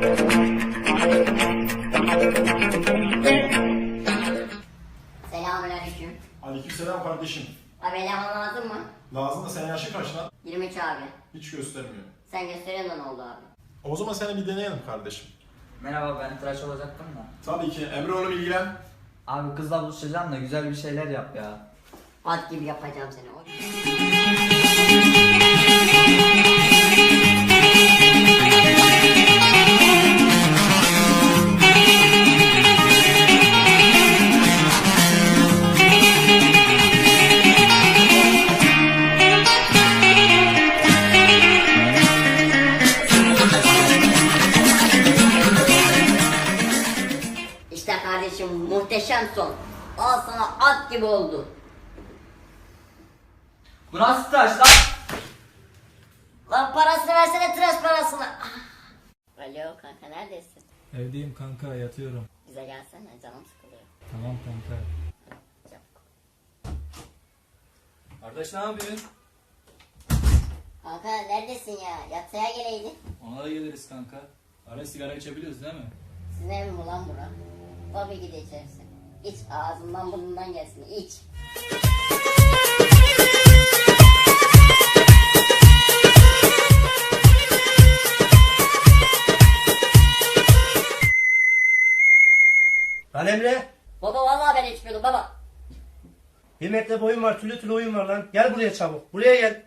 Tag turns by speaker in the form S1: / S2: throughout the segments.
S1: Selamünaleyküm.
S2: Aleykümselam kardeşim.
S1: Abi eleman lazım mı?
S2: Lazım da sen yaşın kaç lan?
S1: 23 abi.
S2: Hiç göstermiyor.
S1: Sen gösteriyorsun da ne oldu abi?
S2: O zaman seni bir deneyelim kardeşim.
S3: Merhaba, ben tıraş olacaktım da.
S2: Tabii ki. Emre oğlum ilgilen.
S3: Abi kızla buluşacağım da güzel bir şeyler yap ya.
S1: At gibi yapacağım seni. İşte kardeşim muhteşem son. Al sana at gibi oldu.
S3: Bu nasıl tıraş lan?
S1: Lan parasını versene tıraş parasını. Alo kanka neredesin?
S4: Evdeyim kanka, yatıyorum.
S1: Bize gelsene canım sıkılıyor.
S4: Tamam kanka.
S1: Çabuk.
S4: Kardeş ne yapıyorsun?
S1: Kanka neredesin ya? Yatsaya geleydin.
S4: Ona da geliriz kanka. Ara sigara içebiliyoruz değil mi?
S1: Sizin ev mi lan bura? Tabii ki de içersin. İç ağzından burnundan gelsin iç.
S5: Lan Emre,
S1: Baba vallahi ben içmiyordum baba.
S5: 1 metre boyun var, tülü tülü oyun var lan. Gel buraya çabuk, buraya gel.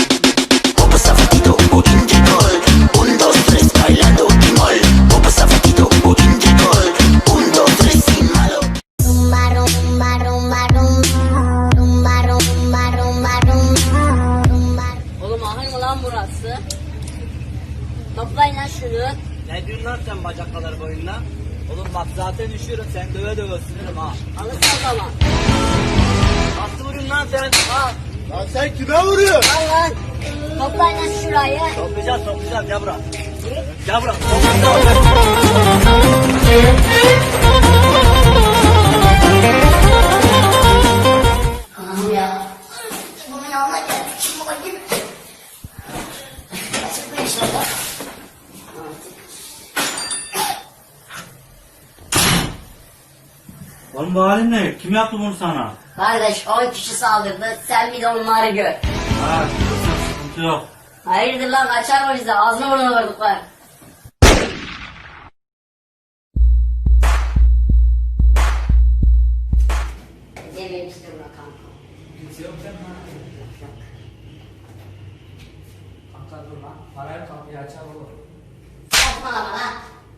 S1: Oğlum ahır mı lan burası? Toplayın lan şunu.
S3: Ne diyorsun lan sen bacak kadar boyunla? Oğlum bak zaten üşüyorum, sen döve döve ısınırım ha.
S1: Alırsan zaman.
S3: Nasıl vuruyorsun lan sen? Ha?
S5: Lan sen kime vuruyorsun?
S1: Al lan. Toplayın lan şurayı.
S3: Toplayacağız, gel buraya. Gel buraya.
S1: Anam ya. Bunun yanına geldik. Şimdi bakayım. Açık bir inşallah.
S6: Oğlum bu halin ne? Kim yaptı bunu sana?
S1: Kardeş 10 kişi saldırdı. Sen bir de onları gör.
S6: Ha, sıkıntı yok.
S1: Hayırdır lan kaçar o bize. Ağzına burnuna vurduklar. Dememiştir buna kanka.
S3: Kimse yok değil mi? Yok. Kanka dur lan. Parayı kapıyı açar olur.
S1: Saçmalama lan.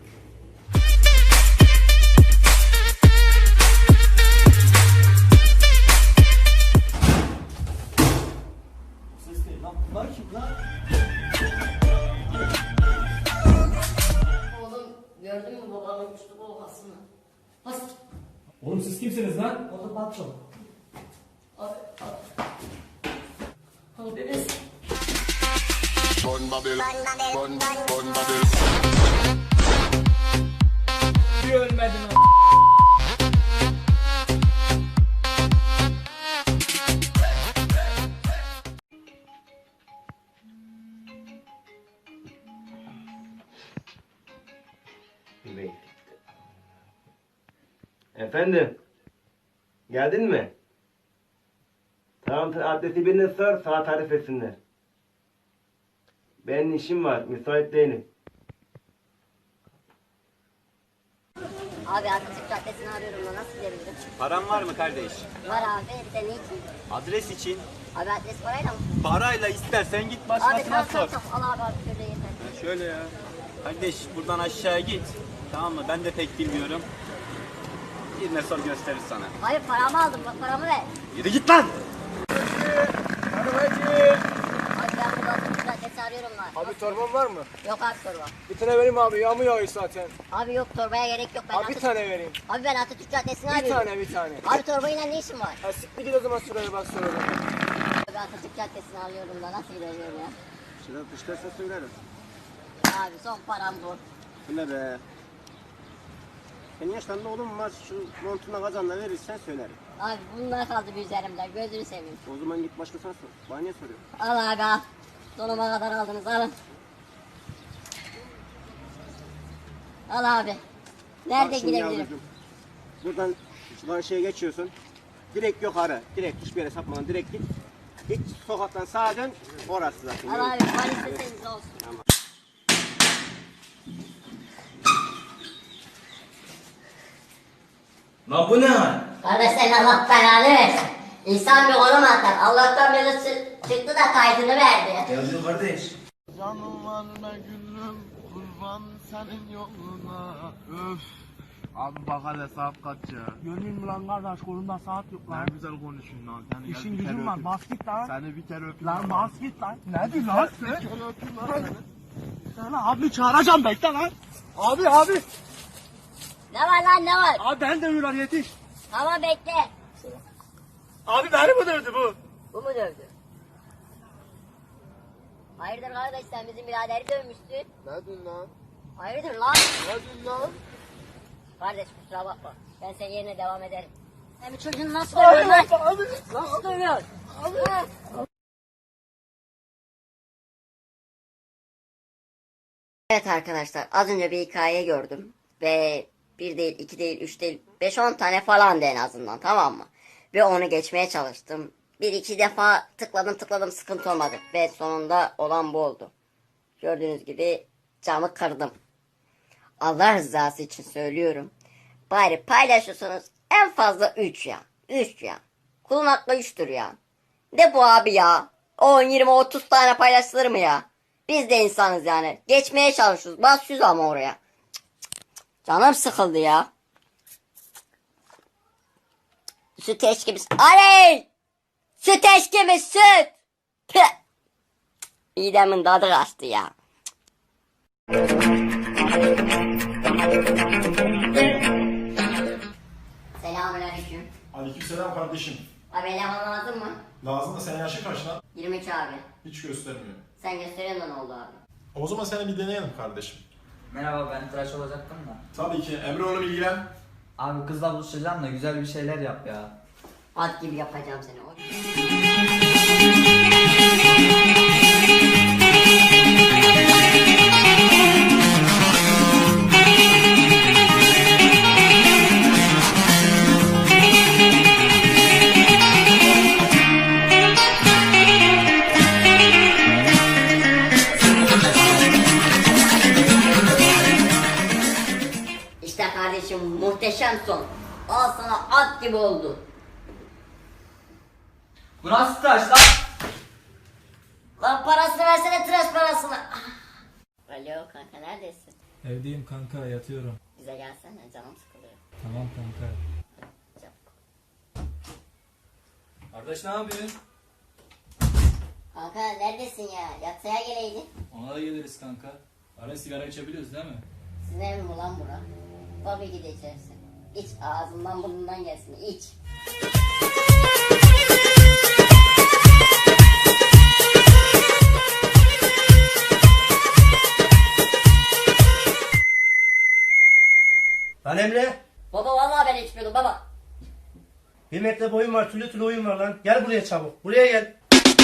S3: Ses değil lan. Bunlar kim lan?
S1: Oğlum gördün mü babamın uçtu kolkasını? Bas.
S4: Oğlum siz kimsiniz lan?
S3: Oğlum patron.
S1: Abi. Abi biz.
S4: Bir ölmedin lan.
S5: Efendim, geldin mi? Tamam, adresi birine sor, saat tarif etsinler. Benim işim var, müsait değilim.
S1: Abi Atatürk Caddesi'ni arıyorum da nasıl gidebilirim?
S6: Paran var mı kardeş?
S1: Var abi bir de ne için?
S6: Adres için.
S1: Abi adres parayla mı?
S6: Parayla istersen git
S1: Abi
S6: başkasına
S1: tamam
S6: sor.
S1: al abi şöyle yeter.
S6: Şöyle ya. Kardeş buradan aşağıya git. Tamam mı? Ben de pek bilmiyorum. Birine sor gösterir sana.
S1: Hayır paramı aldım bak paramı ver.
S6: Yürü git lan!
S1: Abi ben burada Atatürk Caddesi arıyorum lan.
S7: Abi torban var mı?
S1: Yok abi torba.
S7: Bir tane vereyim abi, yağmur yağıyor zaten.
S1: Abi yok torbaya gerek yok. Ben
S7: Abi bir tane vereyim.
S1: Abi ben Atatürk Caddesi'ni
S7: Bir
S1: arıyorum.
S7: tane, bir tane.
S1: Abi torbayla ne işin var?
S7: Ha siktir git o zaman şuraya bak sonra.
S1: Abi Atatürk Caddesi'ni arıyorum da nasıl gideceğim ya?
S6: Şuradan fışkarsa söylerim.
S1: Abi son param bu.
S6: Bu ne be? Senin yaşlarında oğlum var. Şu montuna kazanla verirsen söylerim.
S1: Abi bunlar kaldı bir üzerimde. Gözünü seveyim.
S6: O zaman git başkasına sor. Bana niye soruyorsun?
S1: Al abi al. Donuma kadar aldınız alın. Al abi. Nerede
S5: Bak şimdi
S1: gidebilirim?
S5: yavrucuğum, buradan şu karşıya geçiyorsun. Direkt yukarı. Direkt hiçbir yere sapmadan direkt git. Hiç sokaktan sağa dön. Orası zaten.
S1: Al abi. Valise temiz olsun.
S3: Lan bu ne hal?
S1: Kardeş sen Allah belanı versin. İnsan bir konum atar. Allah'tan beri çıktı da kaydını verdi.
S3: Yazıyor kardeş.
S8: Canım var be gülüm, kurban senin yoluna. Öf. Abi bak hele saat kaç ya?
S7: Görmeyeyim mi lan kardeş, kolunda saat yok
S8: Ne
S7: lan.
S8: güzel konuşun lan. Seni gel
S7: İşin
S8: bir kere
S7: gücün var,
S8: öpeyim.
S7: bas git lan.
S8: Seni bir kere öpeyim.
S7: Lan bas git lan. Ne diyorsun lan sen?
S8: Bir kere öpeyim lan seni.
S7: Sana abi çağıracağım, bekle lan. Abi.
S1: Ne var lan ne var?
S7: Abi ben dövüyorlar, yetiş.
S1: Tamam bekle.
S7: Abi beni mi dövdü bu?
S1: Bu mu dövdü? Hayırdır kardeş sen bizim biraderi dövmüşsün.
S8: Ne diyorsun lan?
S1: Hayırdır lan?
S8: Ne diyorsun lan?
S1: Kardeş kusura bakma. Ben senin yerine devam ederim. Sen bir çocuğunu nasıl dövüyorsun lan?
S7: Abi.
S1: Nasıl dövüyorsun? Ha? Evet arkadaşlar az önce bir hikaye gördüm. Ve bir değil, iki değil, üç değil, 5-10 tane falan en azından, tamam mı? Ve onu geçmeye çalıştım. Bir iki defa tıkladım sıkıntı olmadı. Ve sonunda olan bu oldu. Gördüğünüz gibi camı kırdım. Allah rızası için söylüyorum. Bari paylaşırsanız en fazla 3 ya. 3 ya. Kulun hakkı 3'tür ya. Ne bu abi ya? 10, 20, 30 tane paylaşılır mı ya? Biz de insanız yani. Geçmeye çalışıyoruz. Basıyoruz ama oraya. Cık, cık, cık. Canım sıkıldı ya. Süt eşkimiz. Aley! Süt eşkimiz süt! Püh! Midemin tadı kaçtı ya. Selamünaleyküm.
S2: Aleykümselam kardeşim.
S1: Abi eleman lazım mı?
S2: Lazım da senin yaşın kaç lan?
S1: 22 abi.
S2: Hiç göstermiyor.
S1: Sen gösteriyorsun da ne oldu abi?
S2: O zaman seni bir deneyelim kardeşim.
S3: Merhaba, ben tıraş olacaktım da.
S2: Tabii ki. Emre oğlum ilgilen.
S3: Abi kızla buluşacağım da güzel bir şeyler yap ya.
S1: At gibi yapacağım seni. Oy. İşte kardeşim muhteşem son. Al sana at gibi oldu.
S3: Bu nasıl tıraş lan?
S1: Lan parasını versene tıraş parasını. Alo kanka neredesin?
S4: Evdeyim kanka, yatıyorum.
S1: Bize gelsene canım sıkılıyor.
S4: Tamam kanka.
S1: Çabuk.
S4: Kardeş ne yapıyorsun?
S1: Kanka neredesin ya? Yatsaya geleydin.
S4: Ona da geliriz kanka. Ara sigara içebiliyoruz değil mi?
S1: Sizin ev mi lan bura? Tabii ki de içersin. İç ağzından burnundan gelsin iç.
S5: Lan Emre.
S1: Baba vallahi ben içmiyordum baba.
S5: 1 metre boyun var, tülü tülü oyun var lan. Gel buraya çabuk. Buraya gel.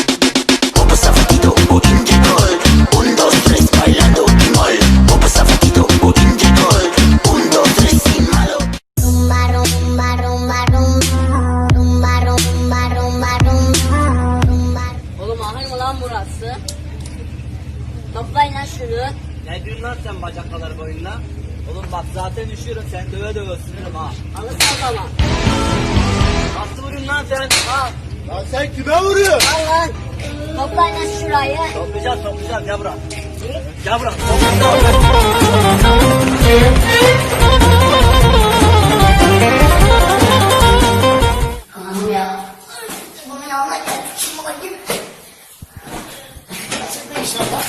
S1: Oğlum ahır mı lan burası? Toplayın lan şunu.
S3: Ne diyorsun lan sen bacak kadar boyunla? Oğlum bak zaten üşüyorum, sen döve döve ısınırım ha.
S1: Alırsın zaman.
S3: Nasıl vuruyorsun lan sen? Al.
S8: Lan sen kime vuruyorsun?
S1: Al lan. Toplayın lan şurayı.
S3: Toplayacağız, gel buraya. Gel buraya.
S1: Anam ya. Bunun yanına geldik. Şimdi bakayım. Çıkma inşallah.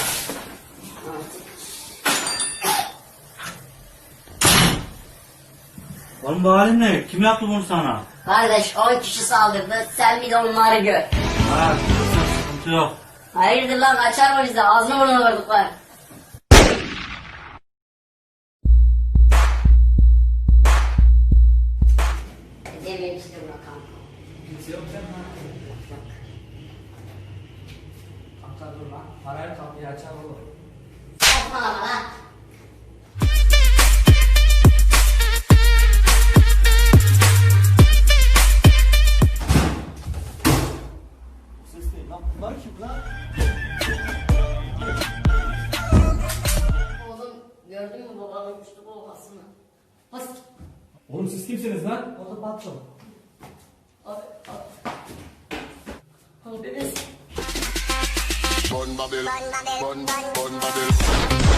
S9: Oğlum bu halin ne? Kim yaptı bunu sana?
S1: Kardeş 10 kişi saldırdı. Sen bir de onları gör.
S9: Ha, sıkıntı yok.
S1: Hayırdır lan açar mı bize? Ağzını burnunu vurduklar. Dememiştim bakalım.
S3: Kimse yok değil mi? Yok. Kanka dur lan. Parayla kapıyı açar olur.
S1: Saçmalama lan.
S7: Bunlar kim lan?
S1: Oğlum gördün mü babanın güçlü olmasını? Bas.
S4: Oğlum siz kimsiniz lan?
S7: Oğlum patron.
S1: Abi. Abi biz.
S8: Bun Babel, bun Babel.